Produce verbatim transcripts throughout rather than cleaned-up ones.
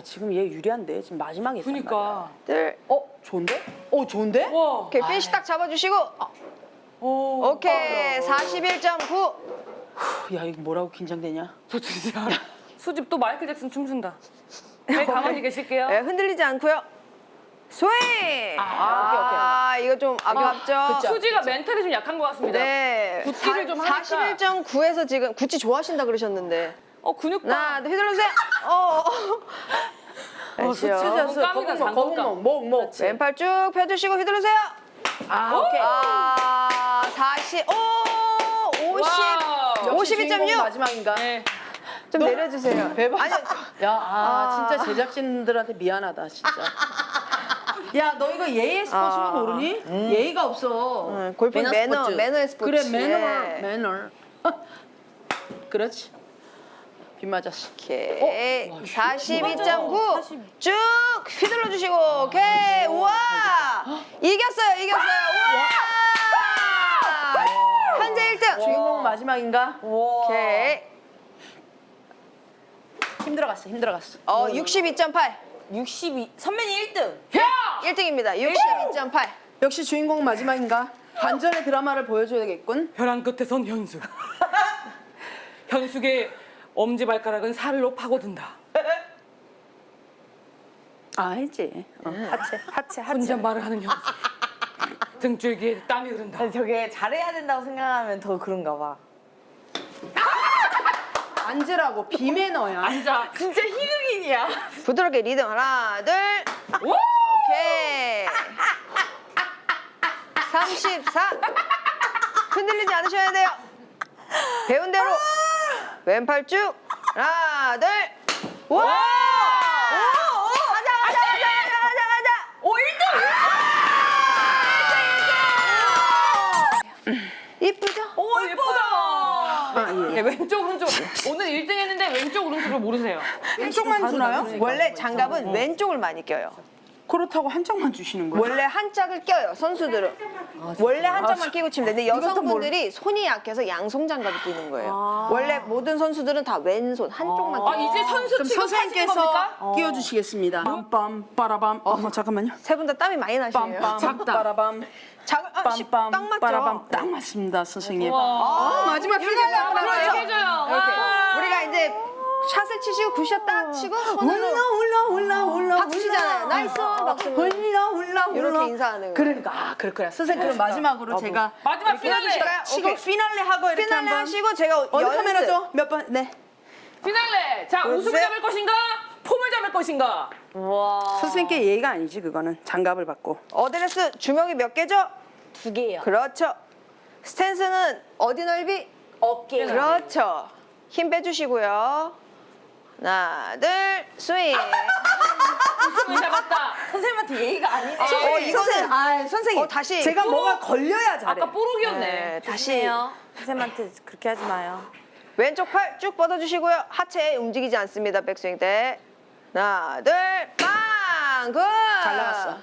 지금 얘 유리한데 지금 마지막에. 그니까. 들. 어 좋은데? 어 좋은데? 와. 오케이, 피니시 딱 잡아주시고. 오. 오케이, 사십일 점 구. 야 이거 뭐라고 긴장되냐? 저 진짜. 수집 또 마이클 잭슨 춤춘다. 네, 가만히 계실게요. 네, 흔들리지 않고요. 스윙! 아, 이거 좀 아깝죠? 그쵸. 수지가 멘탈이 좀 약한 것 같습니다. 네. 구찌를 좀 하니까. 사십일 점 구에서 지금 구찌 좋아하신다 그러셨는데. 어 근육봐. 하나, 둘, 휘둘러주세요. 어, 어. 어, 수치자. 장군감이다, 거북목 장군감. 거북목 목목. 왼팔 쭉 펴주시고 휘두르세요. 아 오케이. 아, 사십, 오, 오십, 와우. 오십이 점 육. 마지막인가? 네. 좀 내려주세요. 대박. 아니, 야, 아, 아. 진짜 제작진들한테 미안하다, 진짜. 야, 너 이거 예의 스포츠는 아. 모르니? 예의가 없어. 음, 골프 매너, 스포츠. 매너의 스포츠. 그래, 매너, 예. 매너. 그렇지. 비 맞았어. 오케이. 어? 와, 사십이 점 구. 사십. 쭉 휘둘러 주시고. 오케이. 우와. 이겼어요, 이겼어요. 우와. 현재 일 등. 주인공 마지막인가? 오케이. 힘들어갔어, 힘들어갔어. 어, 육십이 점 팔. 육십이 선배님 일 등. 야! 일 등입니다. 육십이 점 팔. 역시 주인공 마지막인가? 반전의 드라마를 보여줘야겠군. 벼랑 끝에 선 현숙. 현숙의 엄지발가락은 살로 파고든다. 아, 알지. 어, 하체, 하체, 하체. 혼자 말을 하는 현숙. 등줄기에 땀이 흐른다. 저게 잘해야 된다고 생각하면 더 그런가 봐. 앉으라고, 비매너야. 앉아. 진짜 희극인이야. 부드럽게 리듬. 하나, 둘. 오! 오케이. 삼십사. 흔들리지 않으셔야 돼요. 배운 대로. 왼팔 쭉. 하나, 둘. 와! 가자, 가자, 가자, 가자, 가자, 가자. 오 일 등. 이쁘죠? 오 예쁘다. 아, 예. 네, 왼쪽 오른쪽 오늘 일 등 했는데 왼쪽 오른쪽을 모르세요. 왼쪽만 주나요? 원래 장갑은 왼쪽을 많이 껴요. 그렇다고 한쪽만 주시는 거예요? 원래 한 짝을 껴요, 선수들은. 원래 한 짝만 끼고 치면 되는데 이것도 여성분들이 손이 약해서 양손 장갑을 끼는 거예요. 원래 모든 선수들은 다 왼손 한쪽만 아 끼고. 이제 선수 그럼 취급하시는 선생님께서 겁니까? 끼워주시겠습니다. 빰빰 빠라밤. 어, 잠깐만요. 세 분 다 땀이 많이 나시네요. 빰빰 작다. 빠라밤. 자, 아, 씨, 딱 빰빰 맞죠? 빠라밤. 딱 맞습니다, 선생님. 와. 아, 마지막 피날레 하고 그렇죠. 나가요. 해줘요. 이렇게. 와. 우리가 이제 샷을 치시고 굿샷 딱 치고 손으로 올라 올라 올라 올라 박수시잖아요. 나이스 박수. 올라 올라 올라 이렇게 인사하는 거예요. 그러니까 아 그렇구나. 선생님 그럼 마지막으로 제가 마지막 피날레. 해주실까요? 치고 오케이. 피날레 하고 이렇게 피날레 한번 하시고 제가 어느 연습. 카메라죠? 몇 번? 네. 피날레. 자 보여주세요. 우승을 잡을 것인가? 폼을 잡을 것인가? 와. 선생님께 예의가 아니지 그거는. 장갑을 받고. 어드레스 주먹이 몇 개죠? 두 개요. 그렇죠. 스탠스는 어디 넓이? 어깨. 그렇죠. 힘 빼주시고요. 하나, 둘, 스윙. 우승을 잡았다. 선생님한테 예의가 아니네. 어, 이거는 아 선생님. 어, 다시. 제가 뭐가 걸려야 잘해. 아까 뽀록이었네. 네, 다시 조심해요. 선생님한테 그렇게 하지 마요. 왼쪽 팔 쭉 뻗어주시고요. 하체 움직이지 않습니다. 백스윙 때. 하나, 둘, 빵! 굿! 잘 나갔어.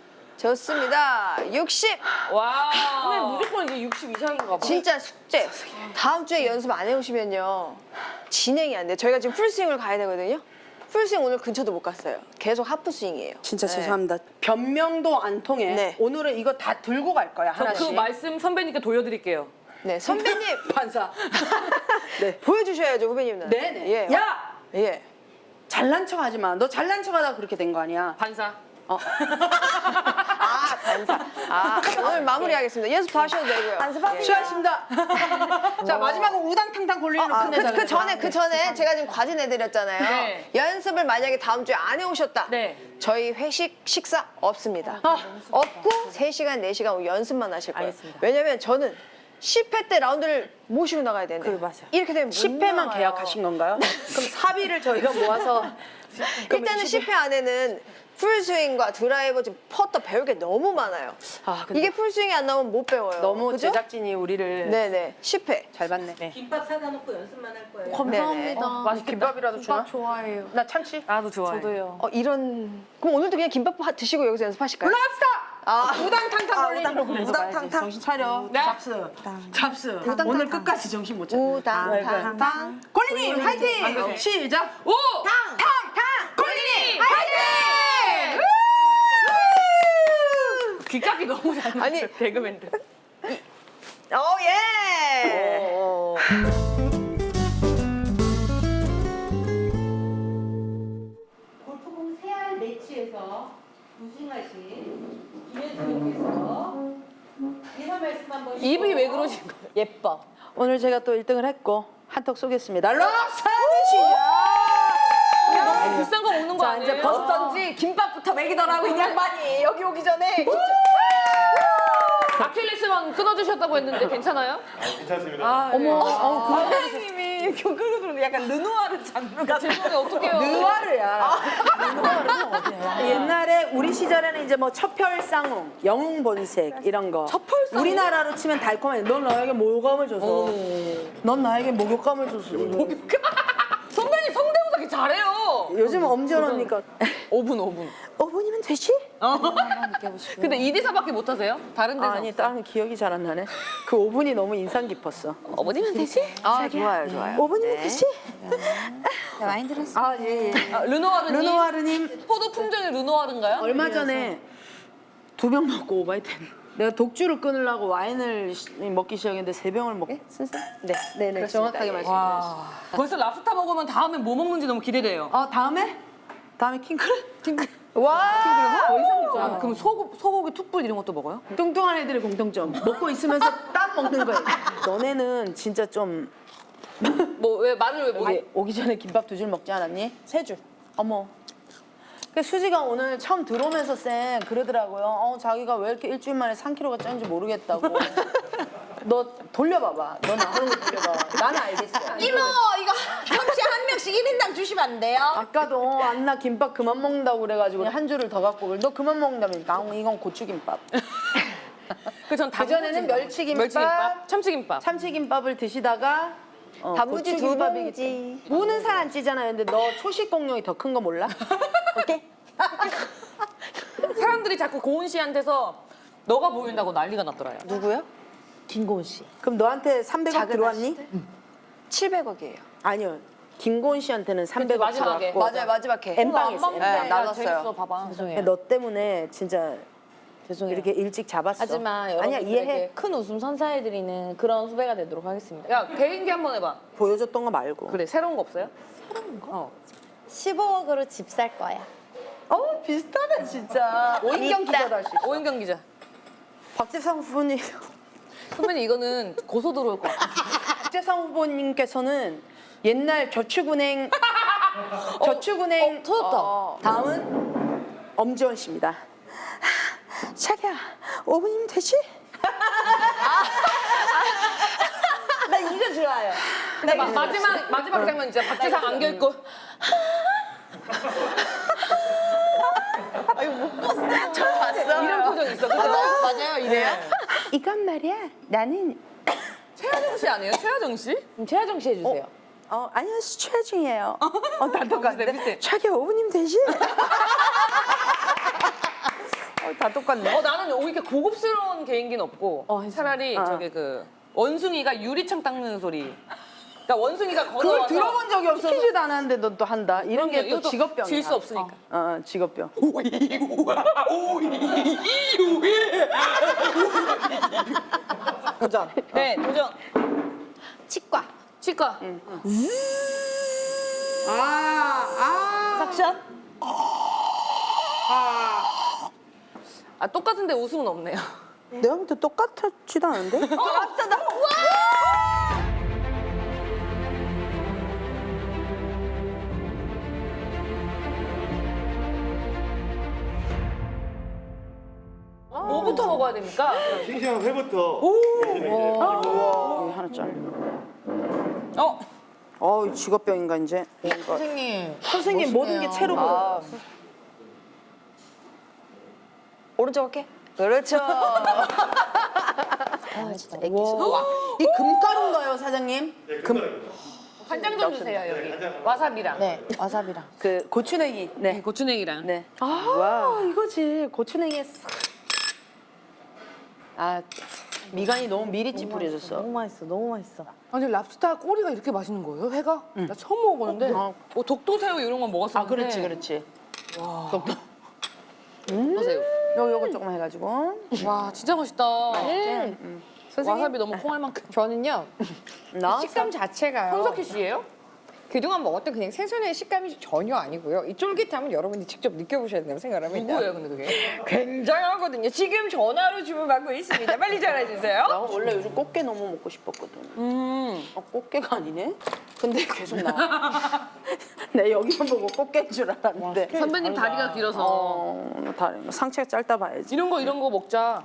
좋습니다. 육십. 와. 선생님 무조건 이제 육십 이상인가 봐. 진짜 숙제. 다음 주에 연습 안 해오시면요. 진행이 안 돼요. 저희가 지금 풀스윙을 가야 되거든요. 풀스윙 오늘 근처도 못 갔어요. 계속 하프스윙이에요. 진짜 네. 죄송합니다. 변명도 안 통해. 네. 오늘은 이거 다 들고 갈 거야 저 하나씩. 그 말씀 선배님께 돌려드릴게요. 네, 선배님 반사. 네. 보여주셔야죠, 후배님은. 네네. 예. 야 예. 잘난 척하지 마. 너 잘난 척하다 그렇게 된 거 아니야? 반사. 어. 아, 반사. 아, 오늘 마무리하겠습니다. 연습 더 하셔도 되고요. 연습하세요. 수고하셨습니다. 자 마지막은 우당탕탕 골리는 아, 끝내자. 그, 그 전에 그 전에 제가 지금 과제 내드렸잖아요. 네. 연습을 만약에 다음 주에 안 해오셨다. 네. 저희 회식 식사 없습니다. 없고 세 시간 네 시간 연습만 하실 거예요. 알겠습니다. 왜냐면 저는 십 회 때 라운드를 모시고 나가야 되는데 그래, 맞아요. 이렇게 되면 못 십 회만 나가요. 계약하신 건가요? 그럼 사비를 저희가 모아서 일단은 십 회 안에는 풀스윙과 드라이버 지금 퍼터 배울 게 너무 많아요. 아, 근데 이게 풀스윙이 안 나오면 못 배워요. 너무 그죠? 제작진이 우리를 네네 십 회. 잘 봤네. 김밥 사다 놓고 연습만 할 거예요. 감사합니다. 맛있겠다. 김밥이라도 주나? 좋아해요. 나 참치. 나도 좋아해. 저도요. 어 이런 그럼 오늘도 그냥 김밥 하- 드시고 여기서 연습하실까요? 올라갑시다. 아 우당탕탕 아, 걸리는 우당- 거 우당탕탕. 정신 차려. 네. 잡스. 잡스. 오늘 끝까지 정신 못 차려. 우당탕탕. 골리님 화이팅. 안 되지. 시작. 오! 탕탕탕. 골리님! 귀깍이 너무 잘 아니. 개그맨들. 오 예. 어, 골프공 세알 매치에서 우승하신 김현수님께서 인사 말씀 한번. 입이 왜 그러신 거예요? 예뻐. 오늘 제가 또 일 등을 했고 한턱 쏘겠습니다. 럭사는 시작. 너무 비싼 거 먹는 거 자, 아니에요? 이제 버스던지 김밥부터 먹이더라고 이 양반이 여기 오기 전에. 아킬레스만 끊어주셨다고 했는데 괜찮아요? 괜찮습니다. 아, 어머, 네. 어, 그 선생님이 끌고 들어오는데 약간 르누아르 장르 같은. 죄송해요. 어떡해요? 느와르야. 느와르는 어디야? 옛날에 우리 시절에는 이제 뭐 첩혈쌍웅, 영웅본색 이런 거. 첩혈쌍웅? 우리나라로 치면 달콤해. 넌 나에게 목욕감을 줘서. 넌 나에게 목욕감을 줬어. 선배님 성대모사 잘해요. 요즘 엄지연 언니가 오 분, 오 분. 오 분이면 되지? 근데 이 대사밖에 못 하세요? 다른 대사 아니, 없어요? 다른 기억이 잘 안 나네. 그 오 분이 너무 인상 깊었어. 어머니면 되지? 아 좋아요 좋아요. 오 분이면 되지? 많이 들었어. 아, 예, 예. 아, 르노아르님? 르누아르님 포도 품종이 르노아르인가요? 얼마 전에 두 병 먹고 오바이트 내가 독주를 끊으려고 와인을 시- 먹기 시작했는데 세 병을 먹고 네, 네, 네, 정확하게 말씀드렸어요. 와. 벌써 랍스타 먹으면 다음에 뭐 먹는지 너무 기대돼요. 어, 다음에? 다음에 킹크랩? 킹크. 와! 더 이상 있잖아. 아, 그럼 소고, 소고기 툭불 이런 것도 먹어요? 뚱뚱한 애들의 공통점. 먹고 있으면서 땀 먹는 거예요. 너네는 진짜 좀 뭐 왜 말을 왜 못해? 여기 오기 전에 김밥 두 줄 먹지 않았니? 세 줄. 어머. 그 수지가 오늘 처음 들어오면서 쌤 그러더라고요. 어, 자기가 왜 이렇게 일주일 만에 삼 킬로그램가 쪘는지 모르겠다고. 너 돌려봐봐. 너 나 하는 거 돌려봐. 나는 알겠어. 이모 이거 삼시 한 명씩 일 인당 주시면 안 돼요? 아까도 안나 김밥 그만 먹는다고 그래가지고 한 줄을 더 갖고 그래. 너 그만 먹는다면서. 아, 이건 고추김밥. 그전 그전에는 멸치김밥, 멸치김밥, 참치김밥. 참치김밥을 드시다가 어, 단무지 두 고추김밥이기 봉지. 때문에. 무는 살 안 찌잖아요. 근데 너 초식 공룡이 더 큰 거 몰라? 오케이? 사람들이 자꾸 고은 씨한테서 너가 보인다고 난리가 났더라요. 누구요? 김고은 씨. 그럼 너한테 삼백억 작은 들어왔니? 칠백억이에요. 아니요. 김고은 씨한테는 삼백억 마지막에. 들어왔고 맞아요 마지막 회. 엠빵에서 네, 엠빵. 나눴어요. 재밌어, 봐봐. 죄송해요. 너 때문에 진짜 죄송해요. 이렇게 일찍 잡았어. 하지만 아니야, 여러분들에게 이해해. 큰 웃음 선사해드리는 그런 후배가 되도록 하겠습니다. 야, 개인기 한번 해봐. 보여줬던 거 말고. 그래, 새로운 거 없어요? 십오억으로 집 살 거야. 어, 비슷하다 진짜. 오인경 기자도 할 수 있어. 오인경 기자. 박재상 후보님. 선배님 이거는 고소 들어올 것 같아. 박재상 후보님께서는 옛날 저축은행 저축은행 어, 터졌다. 어, 다음은 엄지원 씨입니다. 자기야, 오 분이면 되지? 나 이거 좋아요. 근데 마, 마지막 마지막 장면 진짜 박지상 안겨 입고 저 봤어. 이런 표정 있어. 그죠? 맞아요 맞아요 이래요. 이건 말이야. 나는 최하정 씨 아니에요? 최하정 씨? 그럼 최하정 씨 해주세요. 어 안녕하세요 최하중이에요. 어, 다 비슷해, 똑같네. 비슷해. 자기야, 오 분이면 되지? 어, 다 똑같네. 어 나는 오히려 고급스러운 개인기는 없고 차라리 어. 저기 그 원숭이가 유리창 닦는 소리. 그러니까 원숭이가 그걸 걸어와서 들어본 적이 없어. 시키지도 않았는데 너 또 한다. 이런 게 또 이것도 직업병이야. 질 수 없으니까. 어, 어, 직업병. 도전. 네 도전. 치과. 치과. 아, 삭션. 아 똑같은데 웃음은 없네요. 내가 볼 때 똑같지도 않은데? 뭐부터 먹어야 됩니까? 싱싱한 회부터. 여기 하나 잘려. 어 어, 직업병인가 이제. 선생님. 선생님 모든 게 채로 보여. 오른쪽 할게. 그렇죠. 아 진짜 애기. 와, 이 금가루인가요, 사장님? 네, 금가루입니다. 간장 좀 주세요 여기. 와사비랑. 네 와사비랑. 그 고추냉이. 네. 네, 고추냉이랑. 네. 와, 이거지. 고추냉이에 싹. 아, 미간이 너무 미리찌 뿌려졌어. 너무 맛있어. 너무 맛있어. 아니 랍스타 꼬리가 이렇게 맛있는 거예요? 회가? 나 처음 먹어보는데. 어. 뭐 독도새우 이런 건 먹었었는데. 아, 그렇지, 그렇지. 독도새우. 요 요거 조금 해가지고. 와 진짜 맛있다. 음. 선생님 와사비 너무 콩할 만큼. 저는요 나 식감 자체가요. 손석희 씨예요? 그동안 먹었던 그냥 생선의 식감이 전혀 아니고요. 이 쫄깃함은 여러분이 직접 느껴보셔야 된다고 생각을 합니다. 누구예요 근데 그게? 굉장하거든요. 지금 전화로 주문받고 있습니다. 빨리 전화주세요. 나 원래 요즘 꽃게 너무 먹고 싶었거든. 음. 어, 꽃게가 아니네? 근데 계속 나와. 내 여기만 보고 꽃게인 줄 알았는데. 선배님 다리가 길어서 어, 다리 상체가 짧다 봐야지. 이런 거 이런 거 먹자.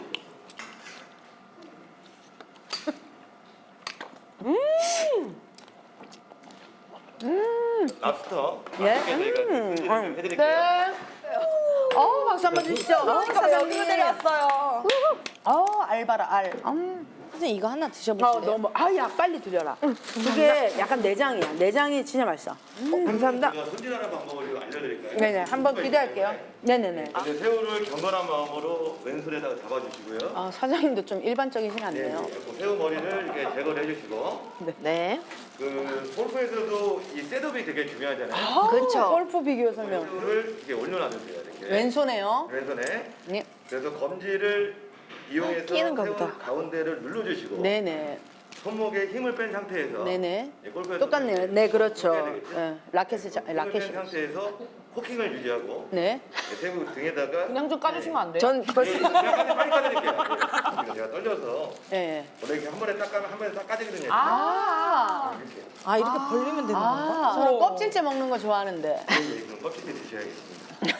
랍스터. 예? 맛있게 저희가 음, 준비를 좀 해드릴게요. 네. 어, 박수 한번 주시죠. 어, 사장님. 내려왔어요. 어, 알바라 알. 음. 선생님 이거 하나 어, 드셔보실래요? 너무 아야 빨리 드려라. 그게 약간 내장이야. 내장이 진짜 맛있어. 어, 감사합니다. 제가 손질하는 방법을 좀 알려드릴까요? 네네, 한번 기대할게요. 네네네. 이제 새우를 경건한 마음으로 왼손에다가 잡아주시고요. 아, 사장님도 좀 일반적이진 네, 않네요. 그 새우 머리를 이렇게 제거를 해주시고, 네. 그 골프에서도 이 셋업이 되게 중요하잖아요. 그렇죠. 골프 비교 설명. 새우를 이렇게 올려놔주세요. 이렇게 왼손에요. 왼손에. 네. 그래서 검지를 이용해서 끼는가 새우 보다. 가운데를 눌러주시고, 네네. 손목에 힘을 뺀 상태에서 네네. 이 골프에서 똑같네요. 네, 그렇죠. 해야 되겠죠? 예, 라켓을 자, 힘을 라켓이. 뺀 상태에서 코킹을 유지하고 네. 새우 등에다가 그냥 좀 까주시면 안 돼요? 전 벌써 네, 제가 빨리 까드릴게요. 지금 제가 떨려서 예. 원래 이렇게 한 번에 딱 까면 한 번에 딱 까지거든요. 아. 이렇게. 아 이렇게 벌리면 되는 건가? 아, 저는 껍질째 먹는 거 좋아하는데. 네, 그럼 껍질째 드셔야겠습니다.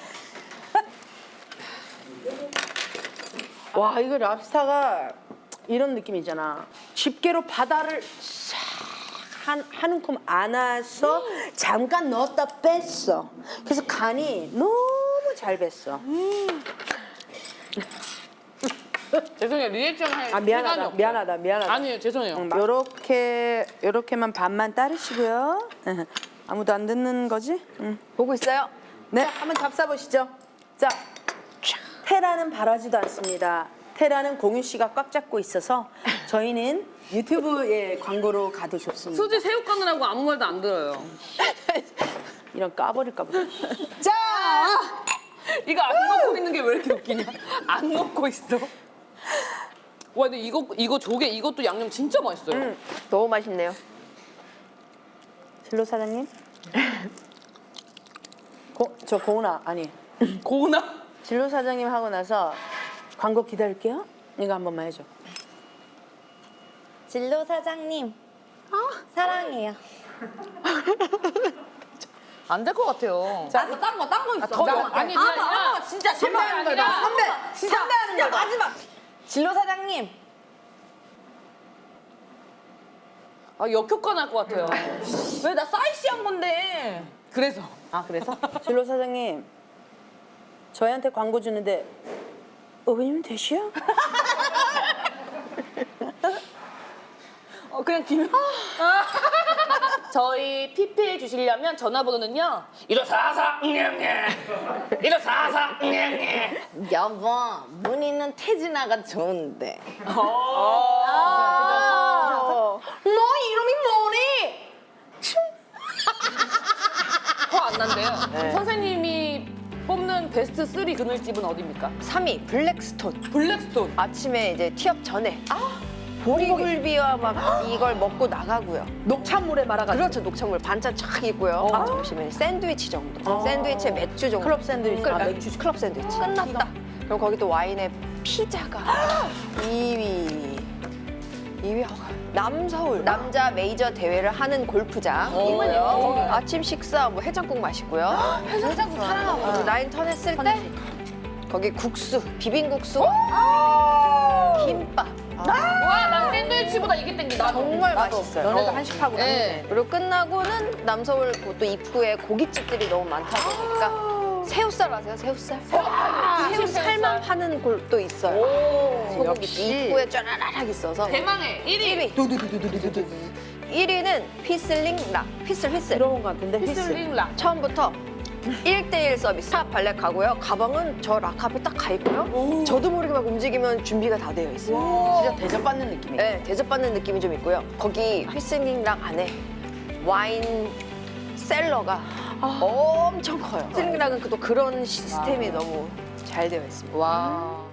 와, 이거 랍스타가 이런 느낌이잖아. 집게로 바다를 싹 한, 한 움큼 안아서 잠깐 넣었다 뺐어. 그래서 간이 너무 잘 뱄어. 죄송해요 리액션 할 아, 시간이 미안하다. 없어요. 미안하다. 미안하다. 아니에요 죄송해요. 요렇게, 요렇게만 반만 따르시고요. 아무도 안 듣는 거지? 응. 보고 있어요? 네, 한번 잡숴보시죠. 자, 테라는 바라지도 않습니다. 테라는 공유 씨가 꽉 잡고 있어서 저희는 유튜브에 광고로 가도 좋습니다. 수지 새우 까느라고 아무 말도 안 들어요. 이런 까버릴까 보다. 자, 이거 안 먹고 있는 게 왜 이렇게 웃기냐? 안 먹고 있어. 와 근데 이거 이거 조개 이것도 양념 진짜 맛있어요. 음, 너무 맛있네요. 진로 사장님? 고, 저 고은아 아니 고나. 진로 사장님 하고 나서 광고 기다릴게요. 이거 한 번만 해줘. 진로 사장님, 사랑해요. 안 될 것 같아요. 자, 딴 거, 딴 거 있어. 더 영- 아니, 그게 아니라 진짜 선배 선배하는 거다. 아니라 선배, 진짜 선배하는 거다. 마지막. 진로 사장님, 아 역효과 날 것 같아요. 왜 나 사이시 한 건데? 그래서 아 그래서? 진로 사장님 저희한테 광고 주는데 의원님 되시요? 어 그냥 김. 저희 피피해 주시려면 전화번호는요. 일오사사 일오사사 여보, 문희는 태진아가 좋은데. 너 이름이 뭐니? 화안 난대요. 선생님이 뽑는 베스트 쓰리 그늘집은 어디입니까? 삼 위 블랙스톤. 블랙스톤. 아침에 이제 티업 전에 보리굴비와 막 이걸 먹고 나가고요. 녹찬물에 말아가지고. 그렇죠, 녹차물 반찬 쫙 있고요. 아, 점심에 샌드위치 정도. 샌드위치에 맥주 정도. 클럽 샌드위치. 클, 아, 맥주 클럽 샌드위치. 끝났다. 그럼 거기 또 와인에 피자가 이 위. 이 위 남서울 남자 메이저 대회를 하는 골프장이고요. 아침 식사 뭐 해장국 마시고요. 해장국 사랑하고 라인 턴 했을 때 거기 국수, 비빔국수, 김밥. 와, 난 샌드위치보다 이게 땡기다. 정말 맛있어요. 너네도 한식하구나. 네. 그리고 끝나고는 남서울 또 입구에 고깃집들이 너무 많다 보니까 새우살 아세요? 새우살? 새우살만 파는 곳도 있어요. 소고기집 입구에 쫘라락 있어서 대망의 일 위. 일 위는 휘슬링 락, 휘슬 휘슬. 들어본 것 같은데. 휘슬링 락. 처음부터 일 대일 서비스. 탑 발렛 가고요. 가방은 저 락 앞에 딱 가 있고요. 저도 모르게 막 움직이면 준비가 다 되어 있어요. 진짜 대접받는 느낌이에요. 네, 대접받는 느낌이 좀 있고요. 거기 휘슬링 락 안에 와인 셀러가 엄청 커요. 휘슬링 락은 또 그런 시스템이 너무 잘 되어 있습니다. 와.